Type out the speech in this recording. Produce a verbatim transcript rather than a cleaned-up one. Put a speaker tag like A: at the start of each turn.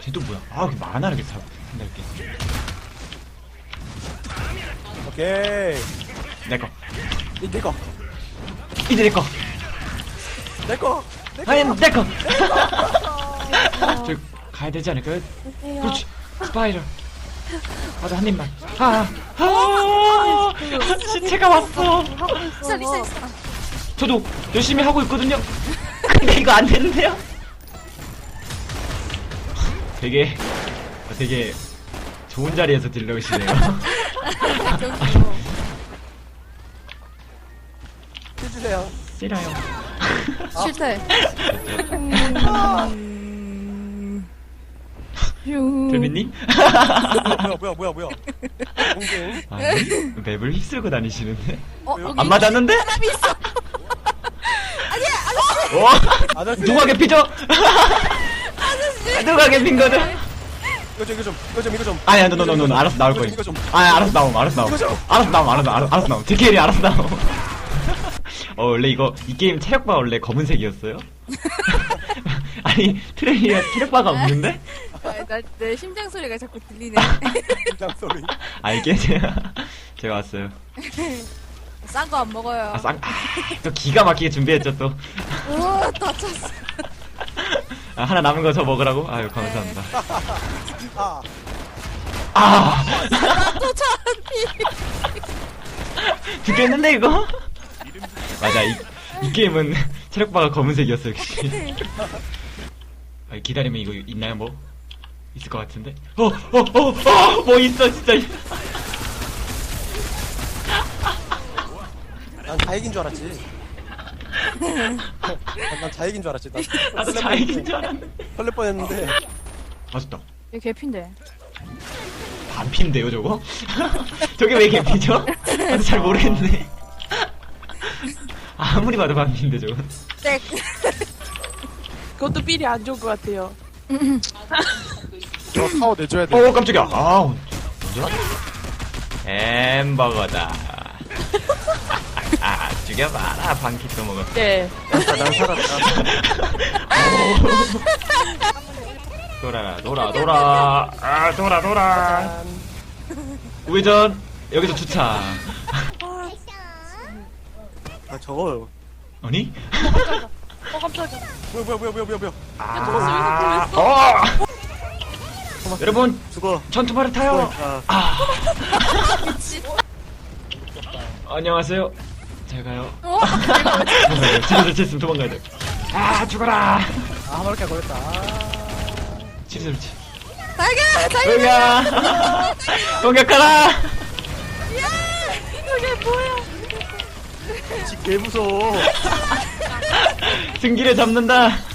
A: 쟤도 뭐야? 아, 그 만화를 다 한달게.
B: 오케이.
A: 내꺼.
B: 이 내꺼.
A: 이제 내꺼.
B: 내꺼.
A: 아니, 내꺼. 저 가야 되지 않을까요? 그렇지. 스파이럴. 맞아, 한 입만. 아, 아, 시체가 왔어.
C: 리사 리사 리사.
A: 저도 열심히 하고 있거든요. 근데 이거 안 되는데요? 되게, 되게 좋은 자리에서 딜러시네요.
B: 해주세요.
A: 싫어요.
C: 싫대.
A: 데미님?
B: 뭐야 뭐야 뭐야 뭐야. 공개.
A: 아니, 맵을 휩쓸고 다니시는데?
C: 어,
A: 안 맞았는데?
C: 사람이 있어.
A: 와,
B: 아저씨.
A: 누가 개피죠? 누가 개핀 거죠?
B: 이거 좀 이거 좀 이거 좀 이거 좀.
A: 아니야, no, no, no, no, 알았어, 나올 거야.
B: 이거 좀.
A: 아, 알았어, 나옴, 알았어, 나옴.
B: 이거 좀.
A: 알았어, 나옴, 알았어, 알았어, 알았어, 나옴. 제케일이 알았어, 나옴. 어, 원래 이거, 이 게임 체력바 원래 검은색이었어요? 아니, 트레이에 체력바가 없는데?
C: 나내 심장 소리가 자꾸 들리네.
B: 심장 소리.
A: 아, 이게 제가, 제가 왔어요.
C: 싼 거 안 먹어요.
A: 아, 쌍, 아, 또 기가 막히게 준비했죠, 또.
C: 우와 다쳤어.
A: 아, 하나 남은 거 저 먹으라고? 아유, 감사합니다.
B: 아.
A: 아!
C: 또 차피.
A: 죽겠는데, 이거? 맞아, 이, 이 게임은 체력바가 검은색이었어, 역시. 아, 기다리면 이거 있나요, 뭐? 있을 것 같은데? 어, 어, 어, 어, 뭐 있어, 진짜.
B: 난 자익인 줄 알았지. 난, 난 자익인 줄 알았지. 난
A: 나도 자익인 줄 알았는데.
B: 설렐 뻔했는데.
A: 맛있다.
C: 얘 개핀데.
A: 반피인데요, 저거? 저게 왜 개피죠? 나도 잘 모르겠네. 아무리 봐도 반피인데, 저거.
C: 땡.
D: 그것도 삘이 안 좋은 것 같아요.
B: 저 타워 내줘야 돼.
A: 어, 깜짝이야. 아, 뭐죠? 햄버거다. 아, 죽여봐라. 반키 또 먹어.
D: 네.
B: 난 살았다.
A: 돌아라, 돌아, 돌아. 아, 돌아, 돌아. 우회전. 여기서 주차.
B: 아 저거.
A: 아니?
D: 어, 깜짝이야.
B: 뭐야 뭐야 뭐야 뭐야 뭐야 뭐야.
A: 아, 어! 여러분,
B: 죽어.
A: 전투발을 타요.
B: 아.
A: 아. 안녕하세요. 잘 가요.
C: 어?
A: 도망가야 돼. 집에서 쳤으면 도망가야 돼. 아, 죽어라.
B: 아 한 마리까 걸렸다. 아.
A: 집에서 그렇지.
C: 달걀 달걀.
A: 공격! 공격하라!
C: 이게 뭐야?
B: 집 개 무서워.
A: 승기를 잡는다.